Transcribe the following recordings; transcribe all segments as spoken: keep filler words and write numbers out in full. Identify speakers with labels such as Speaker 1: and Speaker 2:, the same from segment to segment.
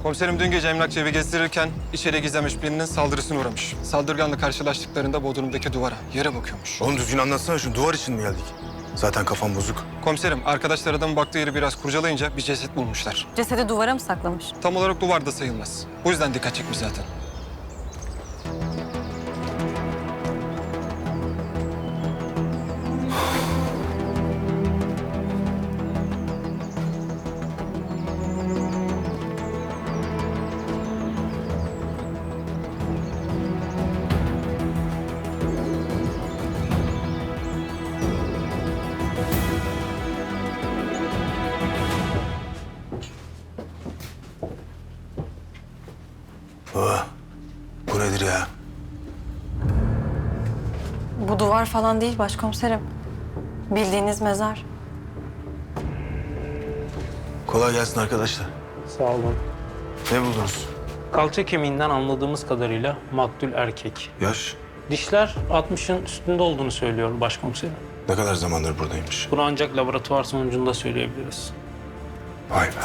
Speaker 1: Komiserim dün gece emlakçı evi gezdirirken içeri gizlenmiş birinin saldırısına uğramış. Saldırganla karşılaştıklarında bodrumdaki duvara, yere bakıyormuş.
Speaker 2: Oğlum düzgün anlatsana şunu. Duvar için mi geldik? Zaten kafam bozuk.
Speaker 1: Komiserim, arkadaşlar adamın baktığı yeri biraz kurcalayınca bir ceset bulmuşlar.
Speaker 3: Cesedi duvara mı saklamış?
Speaker 1: Tam olarak duvarda sayılmaz. Bu yüzden dikkat çekmiş zaten.
Speaker 2: Baba, bu nedir ya?
Speaker 3: Bu duvar falan değil başkomiserim. Bildiğiniz mezar.
Speaker 2: Kolay gelsin arkadaşlar.
Speaker 4: Sağ olun.
Speaker 2: Ne buldunuz?
Speaker 4: Kalça kemiğinden anladığımız kadarıyla maktul erkek.
Speaker 2: Yaş?
Speaker 4: Dişler altmışın üstünde olduğunu söylüyor başkomiserim.
Speaker 2: Ne kadar zamandır buradaymış?
Speaker 4: Bunu ancak laboratuvar sonucunda söyleyebiliriz.
Speaker 2: Vay be.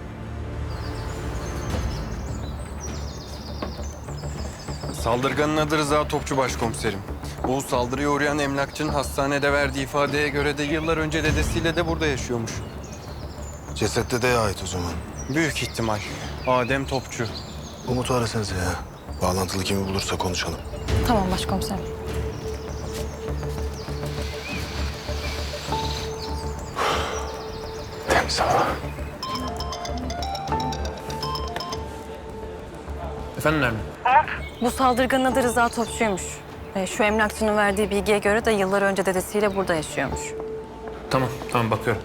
Speaker 5: Saldırganın adı Rıza Topçu başkomiserim. Bu saldırıya uğrayan emlakçının hastanede verdiği ifadeye göre de yıllar önce dedesiyle de burada yaşıyormuş.
Speaker 2: Ceset dedeye ait o zaman.
Speaker 5: Büyük ihtimal. Adem Topçu.
Speaker 2: Umut'u arasanıza ya. Bağlantılı kimi bulursa konuşalım.
Speaker 3: Tamam başkomiserim.
Speaker 2: Temiz hava.
Speaker 6: Efendim Nermin?
Speaker 3: Bu saldırganın adı Rıza Topçu'ymuş. Ee, şu emlakçının verdiği bilgiye göre de yıllar önce dedesiyle burada yaşıyormuş.
Speaker 6: Tamam, tamam bakıyorum.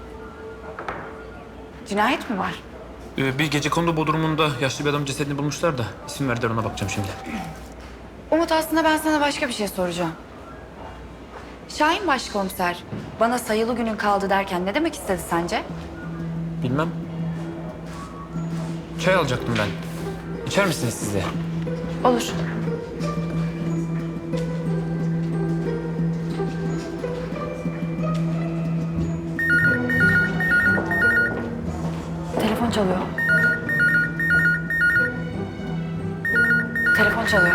Speaker 3: Cinayet mi var?
Speaker 6: Ee, bir gecekondu bodrumunda yaşlı bir adam cesedini bulmuşlar da isim verdiler, ona bakacağım şimdi.
Speaker 7: Umut, aslında ben sana başka bir şey soracağım. Şahin başkomiser bana sayılı günün kaldı derken ne demek istedi sence?
Speaker 6: Bilmem. Çay alacaktım ben. İçer misiniz siz de?
Speaker 7: Olur.
Speaker 3: Telefon çalıyor.
Speaker 7: Telefon çalıyor.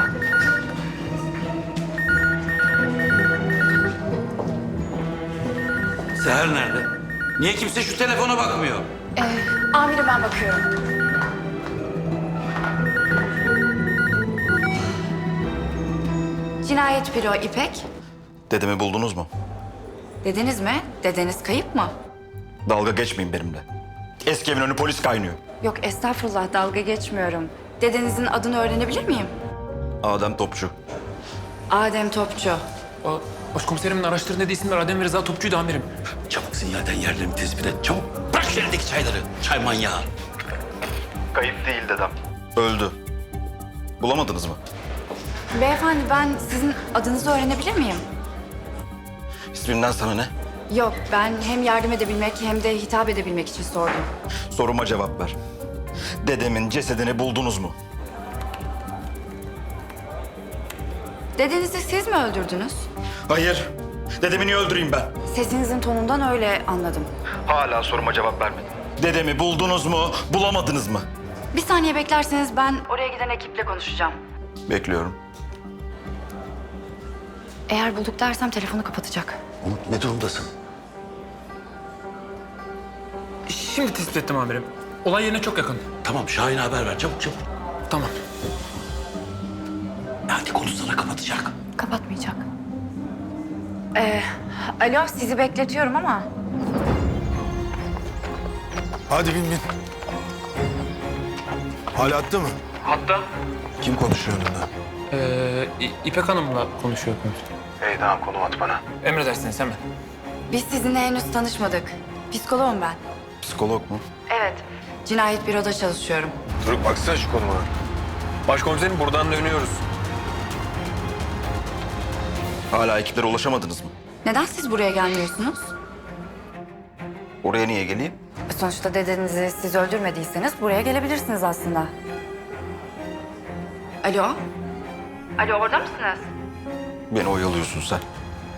Speaker 8: Seher nerede? Niye kimse şu telefona bakmıyor?
Speaker 7: Ee, amirim, ben bakıyorum. Cinayet büro İpek.
Speaker 8: Dedemi buldunuz mu?
Speaker 7: Dediniz mi? Dedeniz kayıp mı?
Speaker 8: Dalga geçmeyin benimle. Eski evin önü polis kaynıyor.
Speaker 7: Yok estağfurullah, dalga geçmiyorum. Dedenizin adını öğrenebilir miyim?
Speaker 8: Adem Topçu.
Speaker 7: Adem Topçu.
Speaker 6: O, başkomiserimin araştırın dediği isimler Adem ve Rıza Topçu'ydu amirim.
Speaker 8: Çabuk sinyalden yerlerini tespit et. Çabuk bırak şu elindeki çayları. Çay manyağı. Kayıp değil dedem. Öldü. Bulamadınız mı?
Speaker 7: Beyefendi, ben sizin adınızı öğrenebilir miyim?
Speaker 8: İsminden sana ne?
Speaker 7: Yok, ben hem yardım edebilmek hem de hitap edebilmek için sordum.
Speaker 8: Soruma cevap ver. Dedemin cesedini buldunuz mu?
Speaker 7: Dedenizi siz mi öldürdünüz?
Speaker 8: Hayır. Dedemi niye öldüreyim ben?
Speaker 7: Sesinizin tonundan öyle anladım.
Speaker 8: Hala soruma cevap vermedin. Dedemi buldunuz mu, bulamadınız mı?
Speaker 7: Bir saniye beklerseniz ben oraya giden ekiple konuşacağım.
Speaker 8: Bekliyorum.
Speaker 7: Eğer bulduk dersem telefonu kapatacak.
Speaker 8: Umut, ne durumdasın?
Speaker 6: Şimdi tespit ettim amirim. Olay yerine çok yakın.
Speaker 8: Tamam, Şahin'e haber ver. Çabuk çabuk.
Speaker 6: Tamam.
Speaker 8: Hadi konuşsana, kapatacak.
Speaker 7: Kapatmayacak. Ee, alo, sizi bekletiyorum ama...
Speaker 2: Hadi bin bin. Hala attı mı?
Speaker 6: Hatta
Speaker 2: Kim konuşuyor onunla?
Speaker 6: ee, İ- İpek Hanım'la konuşuyor komiserim.
Speaker 2: İyi tamam, konum at bana.
Speaker 6: Emredersiniz hemen.
Speaker 7: Biz sizinle henüz tanışmadık. Psikoloğum ben.
Speaker 8: Psikolog mu?
Speaker 7: Evet, cinayet büroda çalışıyorum.
Speaker 2: Dur baksana şu konuma.
Speaker 5: Başkomiserim buradan dönüyoruz.
Speaker 8: Hala ekiplere ulaşamadınız mı?
Speaker 7: Neden siz buraya gelmiyorsunuz?
Speaker 8: Oraya niye geleyim?
Speaker 7: Sonuçta dedenizi siz öldürmediyseniz buraya gelebilirsiniz aslında. Alo? Alo, orada mısınız?
Speaker 8: Beni oyalıyorsun sen.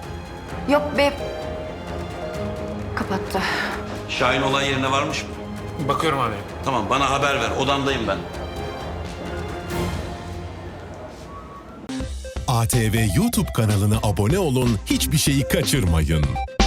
Speaker 7: Yok be... Kapattı.
Speaker 8: Şahin olay yerine varmış mı?
Speaker 6: Bakıyorum amirim.
Speaker 8: Tamam bana haber ver. Odamdayım ben.
Speaker 9: A T V YouTube kanalına abone olun, hiçbir şeyi kaçırmayın.